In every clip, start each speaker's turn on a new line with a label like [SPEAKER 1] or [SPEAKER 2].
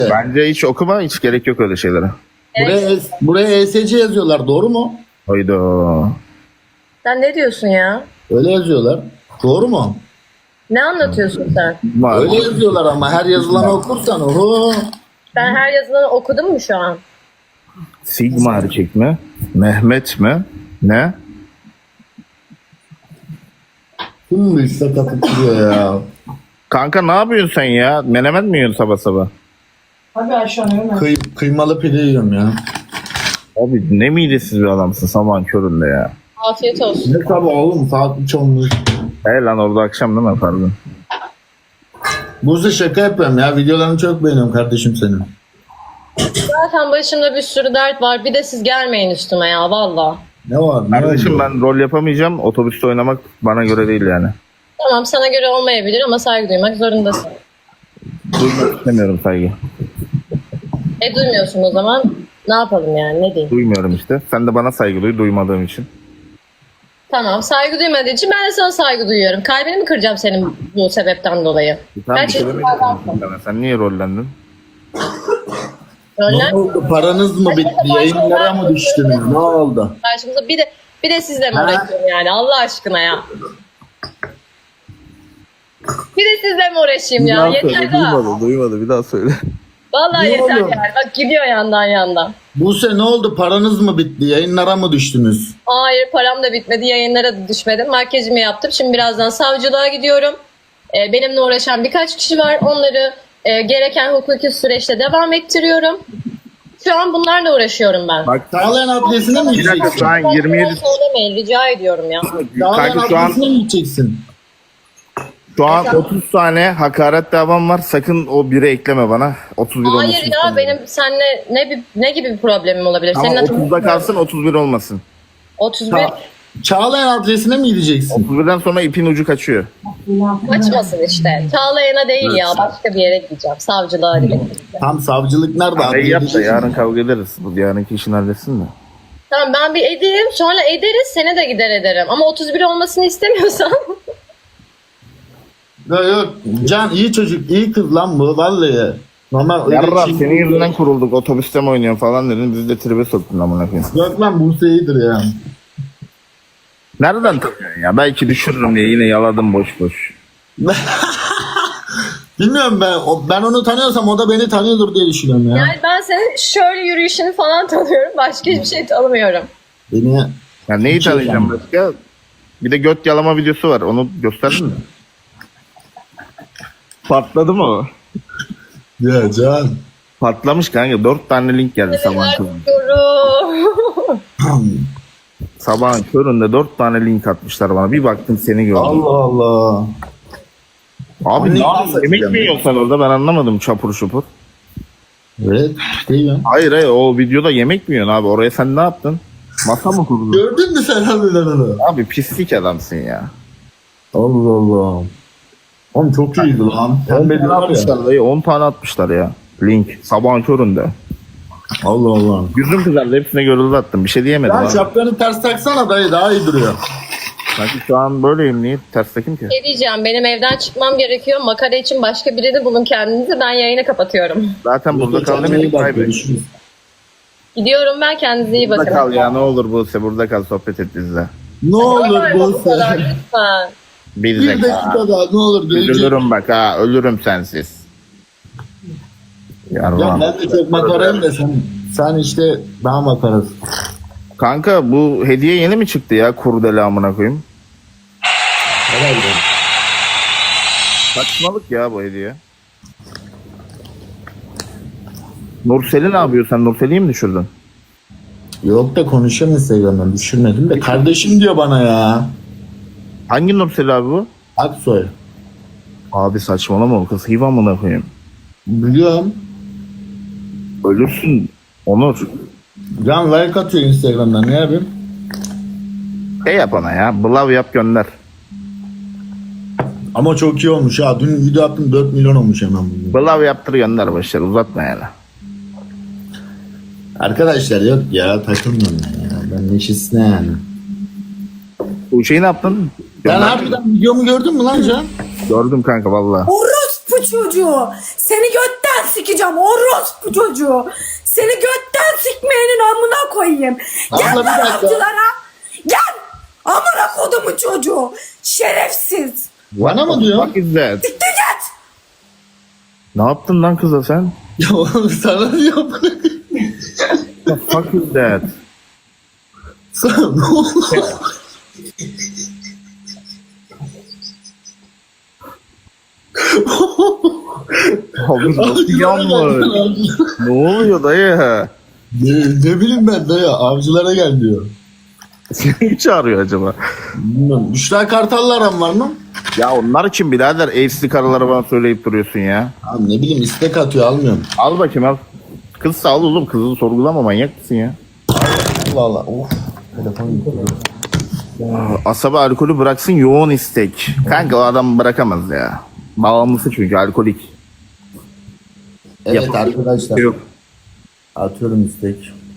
[SPEAKER 1] Bence hiç okuma, hiç gerek yok öyle şeylere.
[SPEAKER 2] Buraya ESC yazıyorlar, doğru mu?
[SPEAKER 1] Hayda.
[SPEAKER 3] Sen ne diyorsun ya?
[SPEAKER 2] Öyle yazıyorlar. Doğru mu?
[SPEAKER 3] Ne anlatıyorsun sen?
[SPEAKER 2] Öyle yazıyorlar ama her yazılanı okursan oho.
[SPEAKER 3] Ben her yazılanı okudum mu şu an?
[SPEAKER 1] Sigma erkek mi? Mehmet mi? Ne?
[SPEAKER 2] Kim bu işte kapıp duruyor ya?
[SPEAKER 1] Kanka ne yapıyorsun sen ya? Menemen mi yiyorsun sabah sabah?
[SPEAKER 4] Abi aşağı hemen.
[SPEAKER 2] Kıymalı pide yiyorum ya.
[SPEAKER 1] Abi ne midesiz bir adamsın sabahın köründe ya.
[SPEAKER 3] Afiyet olsun.
[SPEAKER 2] Ne sabah oğlum, saat 3 olmuş.
[SPEAKER 1] He lan orada akşam değil mi pardon?
[SPEAKER 2] Buzlu şaka yapıyorum ya, videolarını çok beğeniyorum kardeşim senin.
[SPEAKER 3] Zaten başımda bir sürü dert var. Bir de siz gelmeyin üstüme ya valla.
[SPEAKER 2] Ne var? Ne
[SPEAKER 1] Kardeşim
[SPEAKER 2] oldu?
[SPEAKER 1] ben rol yapamayacağım. Otobüste oynamak bana göre değil yani.
[SPEAKER 3] Tamam sana göre olmayabilir ama saygı duymak zorundasın.
[SPEAKER 1] Duymak istemiyorum saygı.
[SPEAKER 3] Duymuyorsun o zaman. Ne yapalım yani ne diyeyim?
[SPEAKER 1] Duymuyorum işte. Sen de bana saygı duy duymadığım için.
[SPEAKER 3] Tamam saygı duymadığı için ben de sana saygı duyuyorum. Kalbini mi kıracağım senin bu sebepten dolayı?
[SPEAKER 1] Tamam, bir
[SPEAKER 3] Kaç
[SPEAKER 1] şey
[SPEAKER 3] yaşında
[SPEAKER 1] demedim
[SPEAKER 3] adamsın?
[SPEAKER 1] sana. Sen niye rollendin?
[SPEAKER 3] Öyle.
[SPEAKER 2] Ne oldu? Paranız mı bitti? Yayınlara mı düştünüz? Ne oldu?
[SPEAKER 3] Karşımıza bir de sizle mi uğraşıyorum yani Allah aşkına ya. Bir de sizle mi uğraşayım ya? Yeter daha.
[SPEAKER 1] Duymadı bir daha söyle.
[SPEAKER 3] Vallahi
[SPEAKER 2] Ne
[SPEAKER 3] yeter
[SPEAKER 2] oluyor?
[SPEAKER 3] yani. Bak gidiyor yandan yandan.
[SPEAKER 2] Buse ne oldu? Paranız mı bitti? Yayınlara mı düştünüz?
[SPEAKER 3] Hayır param da bitmedi. Yayınlara da düşmedim. Makyajımı yaptım. Şimdi birazdan savcılığa gidiyorum. Benimle uğraşan birkaç kişi var. Onları gereken hukuki süreçte devam ettiriyorum. Şu an bunlarla uğraşıyorum ben.
[SPEAKER 1] Bak
[SPEAKER 2] Sağlayan adresine mi
[SPEAKER 1] bir dakika
[SPEAKER 2] gideceksin?
[SPEAKER 1] şu an 27
[SPEAKER 3] Söylemeyin rica ediyorum ya.
[SPEAKER 2] Sağlayan
[SPEAKER 1] kanka şu an
[SPEAKER 2] adresine mi gideceksin?
[SPEAKER 1] 30 tane hakaret davam var. Sakın o 1'e ekleme bana. 31 olmasın.
[SPEAKER 3] Hayır ya benim seninle ne gibi bir problemim olabilir?
[SPEAKER 1] Ama
[SPEAKER 3] Seninle
[SPEAKER 1] 30'da kalsın 31 olmasın.
[SPEAKER 3] 31
[SPEAKER 2] Çağlayan adresine mi gideceksin?
[SPEAKER 1] 31'den sonra ipin ucu kaçıyor.
[SPEAKER 3] kaçmasın işte. Çağlayan'a değil ya başka bir yere gideceğim. Savcılığa gideceğim.
[SPEAKER 2] Tam savcılık nerede?
[SPEAKER 1] Abi yap da
[SPEAKER 2] Adliye
[SPEAKER 1] yarın kavga ederiz. Bu yarınki işini halletsin de.
[SPEAKER 3] Tamam ben bir edeyim sonra ederiz seni de gider ederim. Ama 31 olmasını istemiyorsan.
[SPEAKER 2] Yok yok. Can iyi çocuk, iyi kız lan bu vallahi. Normal öyle
[SPEAKER 1] Yarra
[SPEAKER 2] şey-
[SPEAKER 1] senin yüzünden kurulduk. Otobüste mi oynuyorsun falan dedin. Bizi de tribe soktun amına koyayım.
[SPEAKER 2] Yok lan Buse iyidir ya.
[SPEAKER 1] Nereden tanıyorsun ya? Belki düşürürüm diye yine yaladım boş boş.
[SPEAKER 2] Bilmiyorum ben onu tanıyorsam o da beni tanıyordur diye düşünüyorum ya.
[SPEAKER 3] Yani ben senin şöyle yürüyüşünü falan tanıyorum. Başka hiçbir şey tanımıyorum.
[SPEAKER 2] Beni
[SPEAKER 1] Ya neyi
[SPEAKER 2] Hiç yok
[SPEAKER 1] tanıyacağım
[SPEAKER 2] yani.
[SPEAKER 1] başka? Bir de göt yalama videosu var. Onu gösterdin mi? Patladı mı o?
[SPEAKER 2] ya Can.
[SPEAKER 1] Patlamış kanka. 4 tane link geldi sabahın köründe.
[SPEAKER 3] Diyorum.
[SPEAKER 1] Sabahın köründe 4 tane link atmışlar bana. Bir baktım seni gördüm.
[SPEAKER 2] Allah Allah.
[SPEAKER 1] Abi
[SPEAKER 2] Ne
[SPEAKER 1] ne yapıyorsun? Yemek
[SPEAKER 2] yapıyorsun?
[SPEAKER 1] mi yiyorsun sen orada? Ben anlamadım çapur şupur.
[SPEAKER 2] Evet değil mi?
[SPEAKER 1] Hayır o videoda yemek mi yiyorsun abi? Oraya sen ne yaptın? Masa mı kurdun?
[SPEAKER 2] Gördün mü sen harbiden onu?
[SPEAKER 1] Abi pislik adamsın ya.
[SPEAKER 2] Allah Allah. Oğlum çok iyiydi lan.
[SPEAKER 1] 10
[SPEAKER 2] Pembe
[SPEAKER 1] tane
[SPEAKER 2] diyorlar ya.
[SPEAKER 1] atmışlar dayı. 10 tane atmışlar ya. Link. Sabahın köründe.
[SPEAKER 2] Allah Allah.
[SPEAKER 1] Yüzüm kızardı. Hepsine görüldü attım. Bir şey diyemedim
[SPEAKER 2] Sen
[SPEAKER 1] abi.
[SPEAKER 2] şapkanı ters taksana dayı, daha iyi duruyor.
[SPEAKER 1] Sanki şu an böyleyim. Niye ters takayım ki?
[SPEAKER 3] Ne diyeceğim benim evden çıkmam gerekiyor. Makara için başka birini bulun kendinize. Ben yayını kapatıyorum.
[SPEAKER 1] Zaten burada kal
[SPEAKER 2] Kendine iyi
[SPEAKER 1] demedik.
[SPEAKER 2] bak,
[SPEAKER 1] Kaybet.
[SPEAKER 2] görüşürüz.
[SPEAKER 3] Gidiyorum ben kendinize iyi
[SPEAKER 1] Burada
[SPEAKER 3] bakın.
[SPEAKER 1] kal ya ne olur Buse. Burada kal sohbet et bizle.
[SPEAKER 2] Ne olur
[SPEAKER 3] Bu kadar
[SPEAKER 2] Buse.
[SPEAKER 3] lütfen.
[SPEAKER 1] Bir
[SPEAKER 2] Bir
[SPEAKER 1] dakika.
[SPEAKER 2] dakika daha ne olur gelecek.
[SPEAKER 1] Ölürüm bak ha. Ölürüm sensiz.
[SPEAKER 2] Ya
[SPEAKER 1] Yarram.
[SPEAKER 2] ben de çok makarayım da sen işte daha makarasın.
[SPEAKER 1] Kanka bu hediye yeni mi çıktı ya? Kurdele amına koyayım.
[SPEAKER 2] Herhalde.
[SPEAKER 1] Saçmalık ya bu hediye. Nursel'i ne yapıyor sen? Nursel'i mi düşürdün?
[SPEAKER 2] Yok da konuşuyorum Instagram'dan, düşürmedim de. Kardeşim diyor bana ya.
[SPEAKER 1] Hangi Nursel abi bu?
[SPEAKER 2] Aksoy.
[SPEAKER 1] Abi saçmalama o kız hiva amına koyayım.
[SPEAKER 2] Biliyorum.
[SPEAKER 1] Ölürsün Onur.
[SPEAKER 2] Can like atıyor Instagram'dan, ne yapayım?
[SPEAKER 1] Şey yap ona ya. Blav yap gönder.
[SPEAKER 2] Ama çok iyi olmuş ha. Dün video attım 4 milyon olmuş hemen bugün.
[SPEAKER 1] Blav yaptır gönder başlar. Uzatma yani.
[SPEAKER 2] Arkadaşlar yok ya, takılmıyorum ben ya. Ben neşesine yani.
[SPEAKER 1] Bu şeyi ne yaptın?
[SPEAKER 2] Sen
[SPEAKER 1] Gönder.
[SPEAKER 2] harbiden videomu gördün mü lan Can?
[SPEAKER 1] Gördüm kanka valla.
[SPEAKER 5] orospu çocuğu. Seni götten sikeceğim orospu çocuğu. Seni götten sikmeyenin amına koyayım. Gel
[SPEAKER 2] Abla, bir
[SPEAKER 5] lan
[SPEAKER 2] dakika.
[SPEAKER 5] avcılara. Gel. Amına kodumun çocuğu. Şerefsiz.
[SPEAKER 2] Bana mı diyor?
[SPEAKER 1] Fuck is that?
[SPEAKER 5] Siktir git.
[SPEAKER 1] Ne yaptın lan kıza sen?
[SPEAKER 2] Ya oğlum sana diyor.
[SPEAKER 1] The fuck is that?
[SPEAKER 2] Sana ne oldu?
[SPEAKER 1] Abi nasıl yanmış? Ne oluyor dayı?
[SPEAKER 2] Ne bileyim ben dayı, avcılara gel diyor.
[SPEAKER 1] Seni mi çağırıyor acaba?
[SPEAKER 2] Bilmiyorum. Büşra Kartal'la aran var mı?
[SPEAKER 1] Ya onlar için birader evsizli karıları bana söyleyip duruyorsun ya.
[SPEAKER 2] Abi ne bileyim, istek atıyor, almıyorum.
[SPEAKER 1] Al bakayım al. Kız sağ ol oğlum, kızı sorgulama, manyak mısın ya?
[SPEAKER 2] Allah Allah. Of. Telefon gitti.
[SPEAKER 1] Asabi alkolü bıraksın, yoğun istek. Kanka o adam bırakamaz ya. Bağımlısı çünkü alkolik.
[SPEAKER 2] Evet
[SPEAKER 1] Yapalım.
[SPEAKER 2] arkadaşlar.
[SPEAKER 1] Yok.
[SPEAKER 2] Atıyorum istek.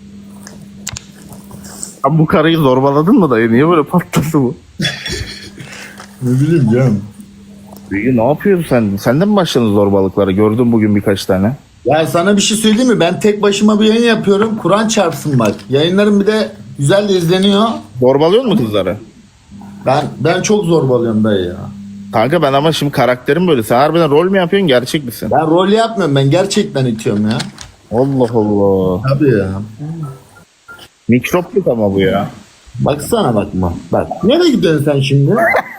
[SPEAKER 1] Abi bu karıyı zorbaladın mı dayı? Niye böyle patladı bu?
[SPEAKER 2] Ne bileyim canım.
[SPEAKER 1] Peki ne yapıyorsun sen? Sen de mi başladın zorbalıklara? Gördüm bugün birkaç tane.
[SPEAKER 2] Ya sana bir şey söyleyeyim mi? Ben tek başıma bir yayın yapıyorum. Kur'an çarpsın bak. Yayınlarım bir de güzel de izleniyor.
[SPEAKER 1] Zorbalıyor mu kızları?
[SPEAKER 2] Ben çok zorbalıyorum dayı ya.
[SPEAKER 1] Kanka ben ama şimdi karakterim böyle. Sen harbiden rol mü yapıyorsun, gerçek misin?
[SPEAKER 2] Ben rol yapmıyorum. Ben gerçekten itiyorum ya.
[SPEAKER 1] Allah Allah.
[SPEAKER 2] Tabii ya.
[SPEAKER 1] Mikropluk ama bu ya.
[SPEAKER 2] Baksana bakma. Bak. Nereye gidiyorsun sen şimdi?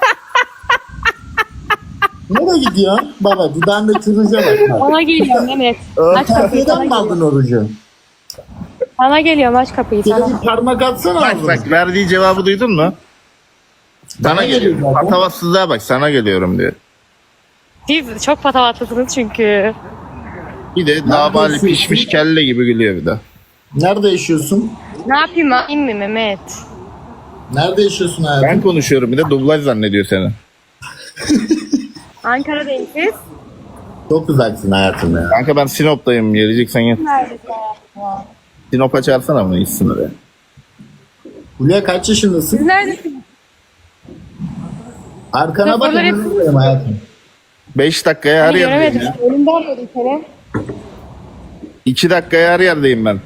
[SPEAKER 2] Nereye gidiyorsun? Baba dudağında kırmızı bak.
[SPEAKER 6] Sana geliyorum Mehmet. Aç kapıyı,
[SPEAKER 2] Kafeden
[SPEAKER 6] sana
[SPEAKER 2] mi
[SPEAKER 6] geliyorum.
[SPEAKER 2] aldın orucu?
[SPEAKER 6] Sana geliyorum, aç kapıyı
[SPEAKER 2] Şöyle
[SPEAKER 6] sana.
[SPEAKER 2] bir parmak atsana
[SPEAKER 1] Bak
[SPEAKER 2] ağzına.
[SPEAKER 1] bak, verdiği cevabı duydun mu? Sana
[SPEAKER 2] Bana
[SPEAKER 1] geliyorum.
[SPEAKER 2] geliyor zaten.
[SPEAKER 1] Patavatsızlığa bak, sana geliyorum diyor.
[SPEAKER 6] Siz çok patavatlısınız çünkü.
[SPEAKER 1] Bir de dabali pişmiş kelle gibi gülüyor bir de.
[SPEAKER 2] Nerede yaşıyorsun?
[SPEAKER 6] Ne yapayım, alayım mı Mehmet?
[SPEAKER 2] Nerede yaşıyorsun hayatım?
[SPEAKER 1] Ben konuşuyorum, bir de dublaj zannediyor seni.
[SPEAKER 6] Ankara'dayım siz.
[SPEAKER 2] Çok uzaksın hayatım ya.
[SPEAKER 1] Kanka ben Sinop'tayım, geleceksen gel.
[SPEAKER 6] Neredesin?
[SPEAKER 1] Sinop'a çağırsana mı gitsin oraya.
[SPEAKER 2] Hulya kaç
[SPEAKER 6] Siz
[SPEAKER 2] yaşındasın?
[SPEAKER 6] neredesiniz?
[SPEAKER 2] Arkana bak,
[SPEAKER 6] Raporları-
[SPEAKER 2] yanındayım hayatım.
[SPEAKER 1] 5 dakikaya her
[SPEAKER 6] Hani
[SPEAKER 1] yerdeyim
[SPEAKER 6] göremedim.
[SPEAKER 1] ya.
[SPEAKER 6] Önümden böyle seni.
[SPEAKER 1] 2 dakikaya her yerdeyim ben.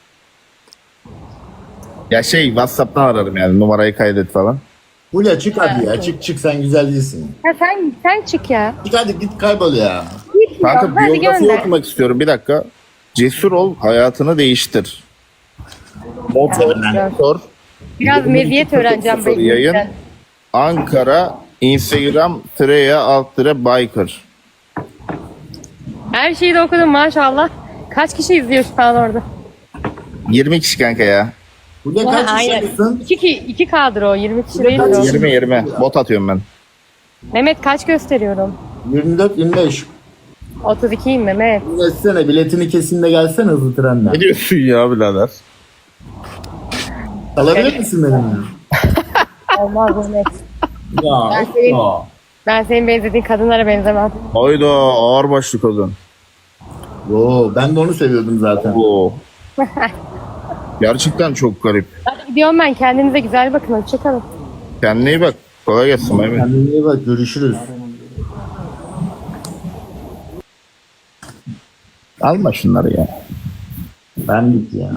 [SPEAKER 1] Ya şey, WhatsApp'tan ararım yani, numarayı kaydet falan.
[SPEAKER 2] Hulya çık hadi ya. Çık sen güzel değilsin.
[SPEAKER 6] Ha, sen çık ya.
[SPEAKER 2] Çık hadi, git kaybol ya.
[SPEAKER 6] Git ya,
[SPEAKER 1] Kanka
[SPEAKER 6] hadi
[SPEAKER 1] biyografi
[SPEAKER 6] gönder.
[SPEAKER 1] okumak istiyorum, bir dakika. Cesur ol, hayatını değiştir. Motor,
[SPEAKER 6] Biraz meziyet öğreneceğim.
[SPEAKER 1] 0 yayın.
[SPEAKER 6] ben.
[SPEAKER 1] Ankara, Instagram, _biker.
[SPEAKER 6] Her şeyi de okudum maşallah. Kaç kişi izliyor şu an orada?
[SPEAKER 1] 20 kişi kanka ya.
[SPEAKER 2] Hulya
[SPEAKER 6] Ha,
[SPEAKER 2] kaç
[SPEAKER 6] aynen.
[SPEAKER 2] yaşındasın?
[SPEAKER 6] 2 kadro, 20 kişi değil o.
[SPEAKER 1] 20. Bot atıyorum ben.
[SPEAKER 6] Mehmet kaç gösteriyorum?
[SPEAKER 2] 24-25.
[SPEAKER 6] 32'yim Mehmet.
[SPEAKER 2] Geçsene, biletini kesin de gelsene hızlı trenle.
[SPEAKER 1] Ne diyorsun ya birader?
[SPEAKER 2] Alabilir misin benimle?
[SPEAKER 6] Olmaz Mehmet.
[SPEAKER 2] Ya.
[SPEAKER 6] Ben senin-
[SPEAKER 2] ya.
[SPEAKER 6] Ben senin benzediğin kadınlara benzemem.
[SPEAKER 1] Hayda, ağır başlı kadın.
[SPEAKER 2] Yo, ben de onu seviyordum zaten.
[SPEAKER 1] Oo. Gerçekten çok garip.
[SPEAKER 6] Hadi gidiyorum ben. Kendinize güzel bakın. Hoşçakalın.
[SPEAKER 1] Kendine iyi bak. Kolay gelsin Mehmet.
[SPEAKER 2] Kendine iyi bak, görüşürüz.
[SPEAKER 1] Alma şunları ya.
[SPEAKER 2] Ben git ya.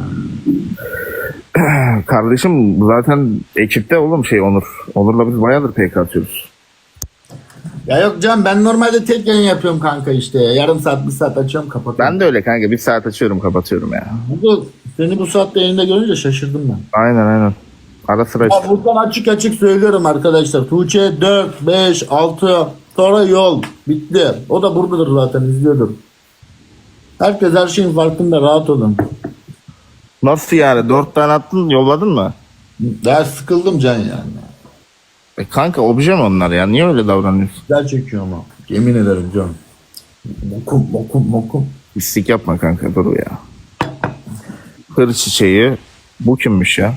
[SPEAKER 1] Kardeşim zaten ekipte oğlum şey Onur. Onur'la biz bayağıdır PK atıyoruz.
[SPEAKER 2] Ya yok canım, ben normalde tek yayın yapıyorum kanka işte. Yarım saat, bir saat açıyorum, kapatıyorum.
[SPEAKER 1] Ben de öyle kanka. Bir saat açıyorum, kapatıyorum ya.
[SPEAKER 2] Seni bu saatte yayında görünce şaşırdım ben.
[SPEAKER 1] Aynen. Ara sıra
[SPEAKER 2] Ya
[SPEAKER 1] işte.
[SPEAKER 2] buradan açık açık söylüyorum arkadaşlar. Tuğçe 4, 5, 6 sonra yol. Bitti. O da buradadır zaten, izliyordur. Herkes her şeyin farkında, rahat olun.
[SPEAKER 1] Nasıl yani? 4 tane attın, yolladın mı?
[SPEAKER 2] Ya sıkıldım can yani.
[SPEAKER 1] Kanka obje mi onlar ya? Niye öyle davranıyorsun?
[SPEAKER 2] Güzel çekiyor ama. Yemin ederim can. Mokum.
[SPEAKER 1] İstik yapma kanka, dur ya. Hır çiçeği. Bu kimmiş ya?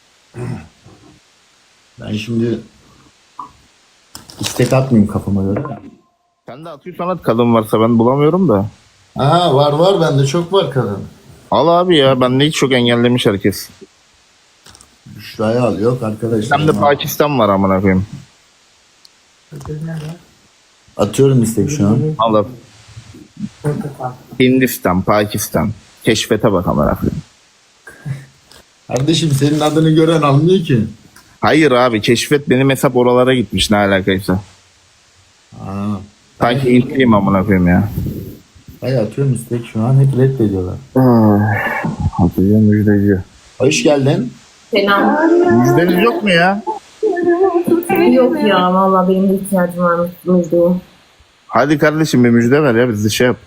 [SPEAKER 2] Ben şimdi istek atmayayım kafama göre.
[SPEAKER 1] Sen de atıyorsan at, kadın varsa ben bulamıyorum da.
[SPEAKER 2] Aha, var bende çok var kadın.
[SPEAKER 1] Al abi ya, bende hiç çok engellemiş herkes.
[SPEAKER 2] Büşra'yı al, yok arkadaşlar.
[SPEAKER 1] Hem de Pakistan var amına koyayım.
[SPEAKER 2] Atıyorum istek şu an.
[SPEAKER 1] Allah. Hindistan, Pakistan. Keşfete bak amına koyayım.
[SPEAKER 2] Kardeşim senin adını gören anlıyor ki.
[SPEAKER 1] Hayır abi, keşfet benim hesap oralara gitmiş, ne alakaysa.
[SPEAKER 2] Aa.
[SPEAKER 1] Sanki intliyim amına koyayım ya.
[SPEAKER 2] Hayır atıyorum istek şu an. Hep reddediyorlar.
[SPEAKER 1] Hatırlıyor müjdeci.
[SPEAKER 2] Hoş geldin.
[SPEAKER 3] Selam.
[SPEAKER 1] Müjdeniz yok mu ya?
[SPEAKER 3] Yok ya valla benim de ihtiyacım var müjdeye.
[SPEAKER 1] Hadi kardeşim bir müjde ver ya, biz de şey yap.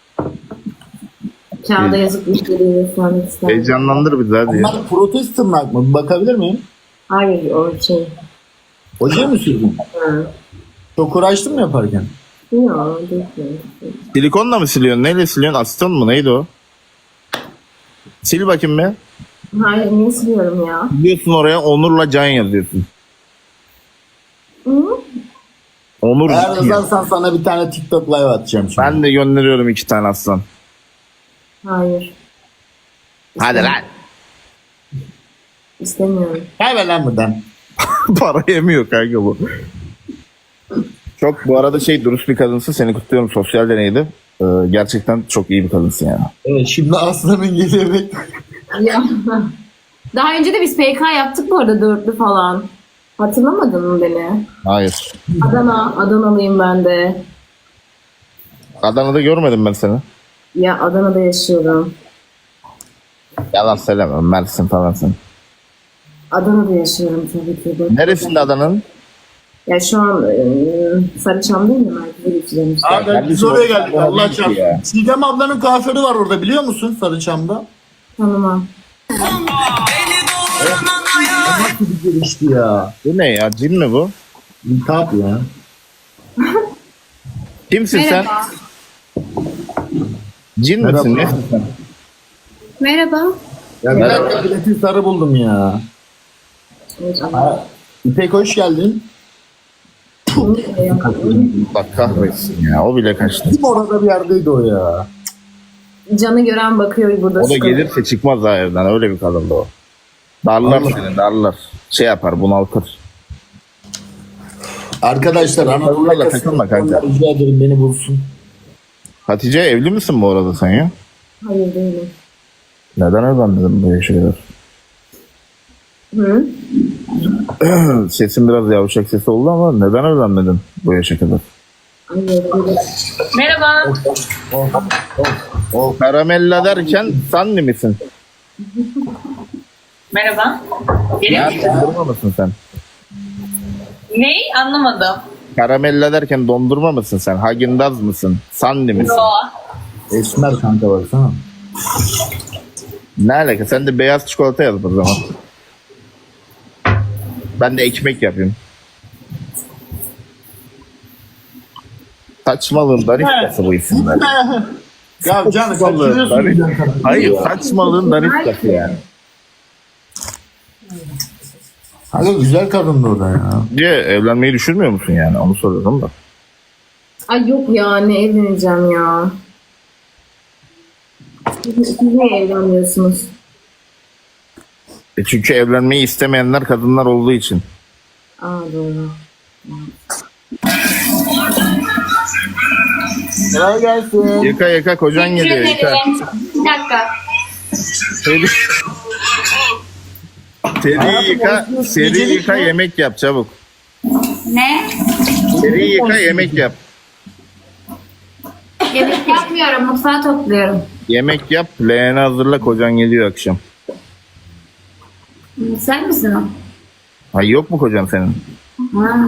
[SPEAKER 3] Kağıda yazıp müjdeyi göstermek isterim.
[SPEAKER 1] Heyecanlandır bizi hadi ya.
[SPEAKER 2] Bunlar protest tırnak mı? Bir bakabilir miyim?
[SPEAKER 3] Hayır o şey.
[SPEAKER 2] Oje mi sürdün?
[SPEAKER 3] Hı.
[SPEAKER 2] Çok uğraştın mı yaparken?
[SPEAKER 3] Yok değil.
[SPEAKER 1] Silikonla mı siliyorsun? Neyle siliyorsun? Asiton mu? Neydi o? Sil bakayım be.
[SPEAKER 3] Hayır niye siliyorum ya?
[SPEAKER 1] Gidiyorsun oraya Onur'la Can yazıyorsun.
[SPEAKER 3] Hı?
[SPEAKER 1] Onur
[SPEAKER 2] Eğer
[SPEAKER 1] Can.
[SPEAKER 2] yazarsan sana bir tane TikTok live atacağım şimdi.
[SPEAKER 1] Ben de gönderiyorum 2 tane aslan.
[SPEAKER 3] Hayır.
[SPEAKER 1] Hadi lan.
[SPEAKER 3] İstemiyorum.
[SPEAKER 2] Kaybet lan buradan.
[SPEAKER 1] Para yemiyor kanka bu. Çok bu arada dürüst bir kadınsın. Seni kutluyorum. Sosyal deneydi. Gerçekten çok iyi bir kadınsın yani.
[SPEAKER 2] Evet şimdi Aslan'ın geliyor bek.
[SPEAKER 3] Ya. Daha önce de biz PK yaptık bu arada dörtlü falan. Hatırlamadın mı beni?
[SPEAKER 1] Hayır.
[SPEAKER 3] Adanalıyım ben de.
[SPEAKER 1] Adana'da görmedim ben seni.
[SPEAKER 3] Ya Adana'da yaşıyorum.
[SPEAKER 1] Yalan söyleme. Mersin falan sen.
[SPEAKER 3] Adana'da yaşıyorum tabii ki.
[SPEAKER 1] Neresinde Adana'nın?
[SPEAKER 3] Ya şu an Sarıçam'dayım ya merkeze geçeceğim işte.
[SPEAKER 2] Abi biz oraya geldik Allah çarpsın. Sidem ablanın kuaförü var orada biliyor musun Sarıçam'da?
[SPEAKER 3] Tanımam.
[SPEAKER 2] Nasıl bir gelişti ya?
[SPEAKER 1] Bu ne ya? Cin mi bu?
[SPEAKER 2] İltihap ya.
[SPEAKER 1] Kimsin
[SPEAKER 6] Merhaba.
[SPEAKER 1] sen? Cin
[SPEAKER 2] Merhaba.
[SPEAKER 1] misin? Nesin sen?
[SPEAKER 6] Merhaba.
[SPEAKER 2] Ya bir dakika bileti sarı buldum ya.
[SPEAKER 3] Evet, ama
[SPEAKER 2] İpek hoş geldin.
[SPEAKER 1] Bak kahretsin ya. O bile kaçtı.
[SPEAKER 2] Kim orada bir yerdeydi o ya?
[SPEAKER 3] Canı gören bakıyor burada.
[SPEAKER 1] O da
[SPEAKER 3] sıkılıyor.
[SPEAKER 1] gelirse çıkmaz ha evden. Öyle bir kadındı o. Darlar
[SPEAKER 2] Allah.
[SPEAKER 1] seni, darlar. Şey yapar, bunaltır.
[SPEAKER 2] Arkadaşlar Anadolu
[SPEAKER 1] Onlarla
[SPEAKER 2] yakasında
[SPEAKER 1] takılma kanka.
[SPEAKER 2] rica ederim beni bulsun.
[SPEAKER 1] Hatice evli misin bu arada sen ya?
[SPEAKER 3] Hayır değilim.
[SPEAKER 1] Neden evlenmedin böyle şeyler?
[SPEAKER 3] Hı?
[SPEAKER 1] Sesin biraz yavşak sesi oldu ama neden evlenmedin bu yaşa kadar?
[SPEAKER 3] Hayır değilim.
[SPEAKER 6] Merhaba.
[SPEAKER 1] O karamella derken Sanni misin?
[SPEAKER 6] Merhaba.
[SPEAKER 1] Ya
[SPEAKER 6] Benim
[SPEAKER 1] dondurma mısın sen?
[SPEAKER 6] Ney? Anlamadım.
[SPEAKER 1] Karamella derken dondurma mısın sen? Hagindaz mısın? Sanni misin?
[SPEAKER 6] Yo.
[SPEAKER 2] Esmer kanka baksana.
[SPEAKER 1] Ne alaka? Sen de beyaz çikolata yaz o zaman. Ben de ekmek yapayım. Saçmalığın daniskası bu isimler.
[SPEAKER 2] Ya canım
[SPEAKER 1] Saçmalığın
[SPEAKER 2] kaçırıyorsun
[SPEAKER 1] danik-
[SPEAKER 2] bir dakika.
[SPEAKER 1] Hayır, saçmalığın daniskası yani.
[SPEAKER 2] Kanka güzel kadındı o da ya.
[SPEAKER 1] Diye evlenmeyi düşünmüyor musun yani? Onu soruyorum da.
[SPEAKER 3] Ay yok ya ne evleneceğim ya. Siz niye evlenmiyorsunuz?
[SPEAKER 1] Çünkü evlenmeyi istemeyenler kadınlar olduğu için.
[SPEAKER 3] Aa doğru.
[SPEAKER 2] Kolay gelsin.
[SPEAKER 1] Yıka yıka kocan geliyor yıka.
[SPEAKER 6] Bir dakika.
[SPEAKER 1] Seri, seri yıka, seri yıka yemek yap çabuk.
[SPEAKER 6] Ne?
[SPEAKER 1] Seri yıka yemek yap.
[SPEAKER 6] Yemek yapmıyorum. Mutfağı topluyorum.
[SPEAKER 1] Yemek yap, leğeni hazırla kocan geliyor akşam.
[SPEAKER 6] Sen misin o?
[SPEAKER 1] Ay yok mu kocan senin?
[SPEAKER 6] Ha.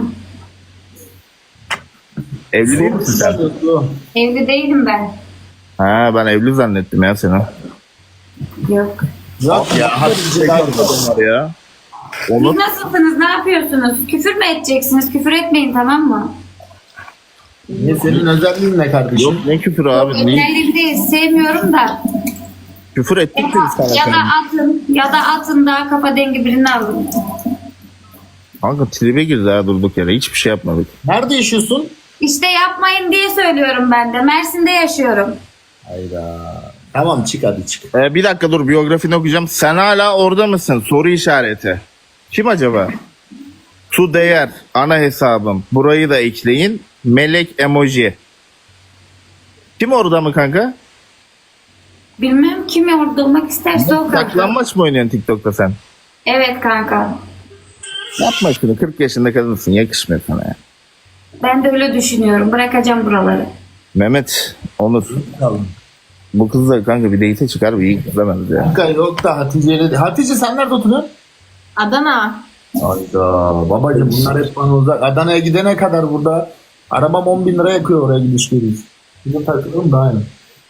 [SPEAKER 1] Evli değil misin sen?
[SPEAKER 6] Evli değilim ben.
[SPEAKER 1] Ha ben evli zannettim ya seni.
[SPEAKER 6] Yok.
[SPEAKER 1] Ya hadi var ya.
[SPEAKER 6] Siz
[SPEAKER 1] Onu
[SPEAKER 6] nasılsınız? Ne yapıyorsunuz? Küfür mü edeceksiniz? Küfür etmeyin tamam mı?
[SPEAKER 2] Ne senin özelliğin ne kardeşim?
[SPEAKER 1] yok ne küfür abi. Ne?
[SPEAKER 6] Özellik değil. Sevmiyorum da.
[SPEAKER 1] Küfür ettik de biz sana.
[SPEAKER 6] Ya da
[SPEAKER 1] senin.
[SPEAKER 6] atın daha kafa dengi birini alın.
[SPEAKER 1] Kanka tribe girdi ha durduk yere. Hiçbir şey yapmadık.
[SPEAKER 2] Nerede yaşıyorsun?
[SPEAKER 6] İşte yapmayın diye söylüyorum ben de. Mersin'de yaşıyorum.
[SPEAKER 2] Hayda. Tamam çık hadi çık.
[SPEAKER 1] Bir dakika dur biyografini okuyacağım. Sen hala orada mısın? Soru işareti. Kim acaba? Su değer. Ana hesabım. Burayı da ekleyin. Melek emoji. Kim orada mı kanka?
[SPEAKER 7] Bilmem kim orada olmak isterse o kanka.
[SPEAKER 1] Saklanmaç mı oynuyorsun TikTok'ta sen?
[SPEAKER 7] Evet kanka.
[SPEAKER 1] Yapma şunu, 40 yaşında kadınsın, yakışmıyor sana ya.
[SPEAKER 7] Ben de öyle düşünüyorum. Bırakacağım buraları.
[SPEAKER 1] Mehmet, Onur. Bu kız da kanka bir date'e çıkar, bir iyi kız demez ya.
[SPEAKER 2] Kanka yok da Hatice'yle de. Hatice sen nerede oturuyorsun?
[SPEAKER 7] Adana.
[SPEAKER 2] Hayda babacım bunlar hep bana uzak. Adana'ya gidene kadar burada arabam 10 bin lira yakıyor oraya gidiş geliş. Bizim takılırım da aynı.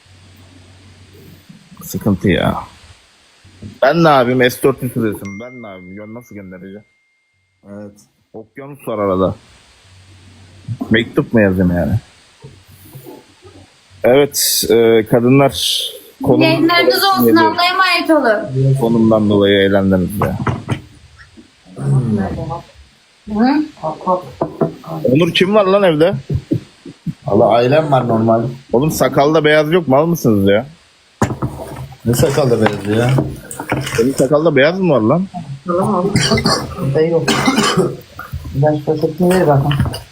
[SPEAKER 1] Sıkıntı ya. Ben ne yapayım? S400 süresim. Ben ne yapayım? Nasıl göndereceğim?
[SPEAKER 2] Evet.
[SPEAKER 1] Okyanus var arada. Mektup mu yazayım yani? Evet, kadınlar
[SPEAKER 7] Yayınlarınız olsun. Allah'a emanet olun.
[SPEAKER 1] konumdan dolayı eğlendiniz ya. Onur kim var lan evde?
[SPEAKER 2] Allah ailem var normal.
[SPEAKER 1] Oğlum sakalda beyaz yok, mal mısınız ya?
[SPEAKER 2] Ne sakallı verdi ya?
[SPEAKER 1] Senin sakalda beyaz mı var lan?
[SPEAKER 4] Yok. Ben şu paketini ver bakalım.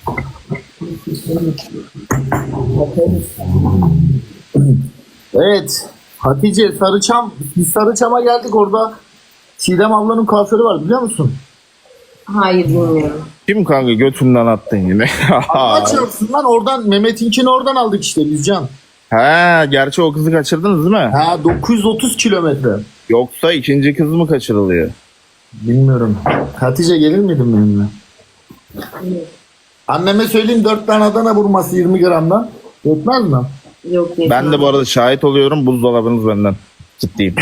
[SPEAKER 2] Evet. Hatice Sarıçam. Biz Sarıçam'a geldik orada. Çiğdem ablanın kuaförü var biliyor musun?
[SPEAKER 7] Hayır bilmiyorum.
[SPEAKER 1] Kim kanka, götünden attın yine?
[SPEAKER 2] Allah çarpsın lan oradan Mehmet'inkini oradan aldık işte biz Can.
[SPEAKER 1] He, gerçi o kızı kaçırdınız değil mi?
[SPEAKER 2] Ha 930 kilometre.
[SPEAKER 1] Yoksa ikinci kız mı kaçırılıyor?
[SPEAKER 2] Bilmiyorum. Hatice gelir miydin benimle? Anneme söyleyeyim 4 tane Adana vurması 20 gramdan. Yetmez mi?
[SPEAKER 7] Yok.
[SPEAKER 1] Ben de bu arada şahit oluyorum, buzdolabınız benden. Ciddiyim.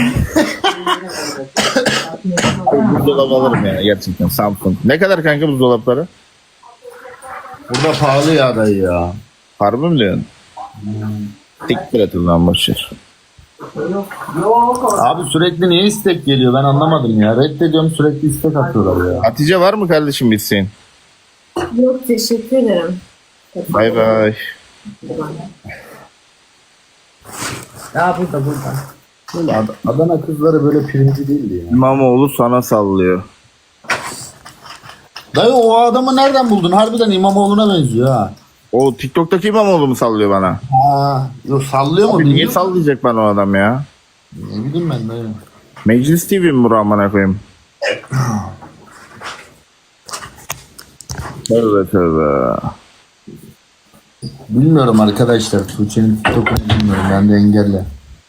[SPEAKER 1] Buzdolabı alırım yani gerçekten, Samsung. Ne kadar kanka buzdolapları?
[SPEAKER 2] Burada pahalı ya dayı ya.
[SPEAKER 1] Harbi mi diyorsun? Siktir et lan, boşver.
[SPEAKER 2] Abi sürekli niye istek geliyor ben anlamadım ya. Reddediyorum sürekli istek atıyorlar ya.
[SPEAKER 1] Hatice var mı kardeşim bir isteğin?
[SPEAKER 7] Yok teşekkür ederim.
[SPEAKER 1] Bay bay.
[SPEAKER 4] Ya burada.
[SPEAKER 2] Böyle Adana kızları böyle pirinci değildi ya.
[SPEAKER 1] İmamoğlu sana sallıyor.
[SPEAKER 2] Dayı o adamı nereden buldun? Harbiden İmamoğlu'na benziyor ha.
[SPEAKER 1] O TikTok'taki İmamoğlu mu sallıyor bana?
[SPEAKER 2] Ha, yok sallıyor mu?
[SPEAKER 1] Abi niye
[SPEAKER 2] Bilmiyorum.
[SPEAKER 1] sallayacak bana o adam ya?
[SPEAKER 2] Ne bileyim ben dayı.
[SPEAKER 1] Meclis TV mi bu, amına koyayım? Tövbe tövbe.
[SPEAKER 2] Bilmiyorum arkadaşlar. Tuğçe'nin TikTok'unu bilmiyorum. Ben de engelli.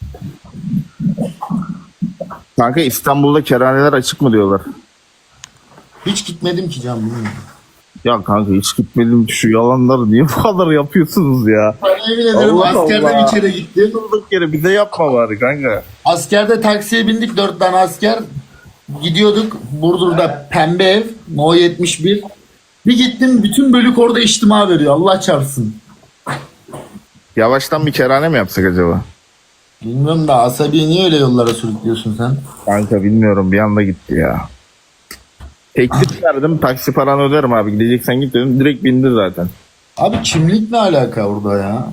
[SPEAKER 1] Kanka İstanbul'da kerhaneler açık mı diyorlar?
[SPEAKER 2] Hiç gitmedim ki Can bilmiyorum.
[SPEAKER 1] Ya kanka hiç gitmedim, şu yalanları niye bu kadar yapıyorsunuz ya?
[SPEAKER 2] Ben emin ederim
[SPEAKER 1] Allah
[SPEAKER 2] askerde
[SPEAKER 1] Allah.
[SPEAKER 2] bir kere gittim.
[SPEAKER 1] Durduk yere bize yapma bari kanka.
[SPEAKER 2] Askerde taksiye bindik 4 tane asker. Gidiyorduk Burdur'da pembe ev No 71. Bir gittim bütün bölük orada içtima veriyor. Allah çarpsın.
[SPEAKER 1] Yavaştan bir kerhane mi yapsak acaba?
[SPEAKER 2] Bilmiyorum da asabiyi niye öyle yollara sürüklüyorsun sen?
[SPEAKER 1] Kanka bilmiyorum, bir anda gitti ya. Teklif verdim, taksi paranı öderim abi, gideceksen git dedim, direkt bindi zaten.
[SPEAKER 2] Abi kimlik ne alaka orada ya?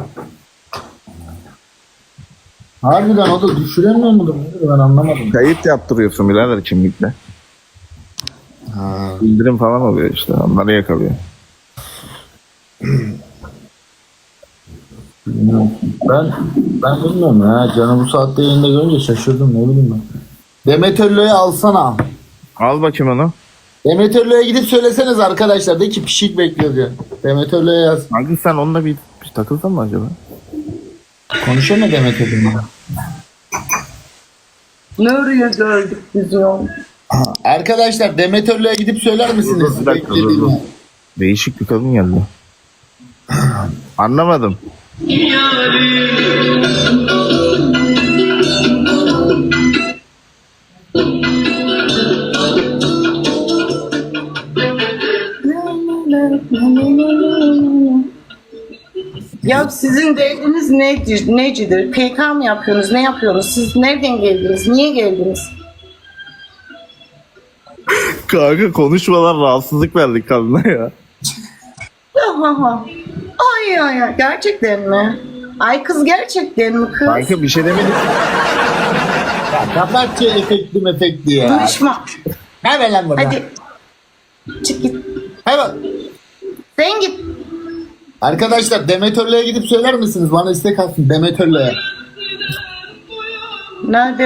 [SPEAKER 2] Harbiden o da düşüremiyor mudur? Ben anlamadım.
[SPEAKER 1] Kayıt yaptırıyorsun birader kimlikle.
[SPEAKER 2] Ha.
[SPEAKER 1] Bildirim falan oluyor işte, onları yakalıyor.
[SPEAKER 2] Bilmiyorum. Ben bilmiyorum ya. Canı bu saatte yayında görünce şaşırdım ne bileyim ben. Demet Ölü'ye alsana.
[SPEAKER 1] Al bakayım onu.
[SPEAKER 2] Demet Ölü'ye gidip söyleseniz arkadaşlar. De ki pişik bekliyor diyor. Demet Ölü'ye yaz.
[SPEAKER 1] Kanka sen onunla bir takılsan mı acaba?
[SPEAKER 2] Konuşuyor mu Demet Ölü'yle?
[SPEAKER 4] Nereye geldik biz ya?
[SPEAKER 2] Arkadaşlar Demet Ölü'ye gidip söyler misiniz?
[SPEAKER 1] Bir dakika, dur,
[SPEAKER 2] Beklediğimi.
[SPEAKER 1] dur. Değişik bir kadın geldi. Anlamadım.
[SPEAKER 4] Ya sizin derdiniz necidir? PK mı yapıyorsunuz? Ne yapıyorsunuz? Siz nereden geldiniz? Niye geldiniz?
[SPEAKER 1] Kanka konuşmalar, rahatsızlık verdik kadına ya.
[SPEAKER 4] Ha. Ay gerçekten mi? Ay kız gerçekten mi kız?
[SPEAKER 1] Kanka bir şey demedik.
[SPEAKER 2] Ya kapat şu efekti ya.
[SPEAKER 4] Konuşma.
[SPEAKER 2] Hemen lan buradan.
[SPEAKER 4] Hadi. Çık git.
[SPEAKER 2] Hemen.
[SPEAKER 4] Sen git.
[SPEAKER 2] Arkadaşlar Demetörlü'ye gidip söyler misiniz? Bana istek atsın Demetörlü'ye.
[SPEAKER 4] Nerede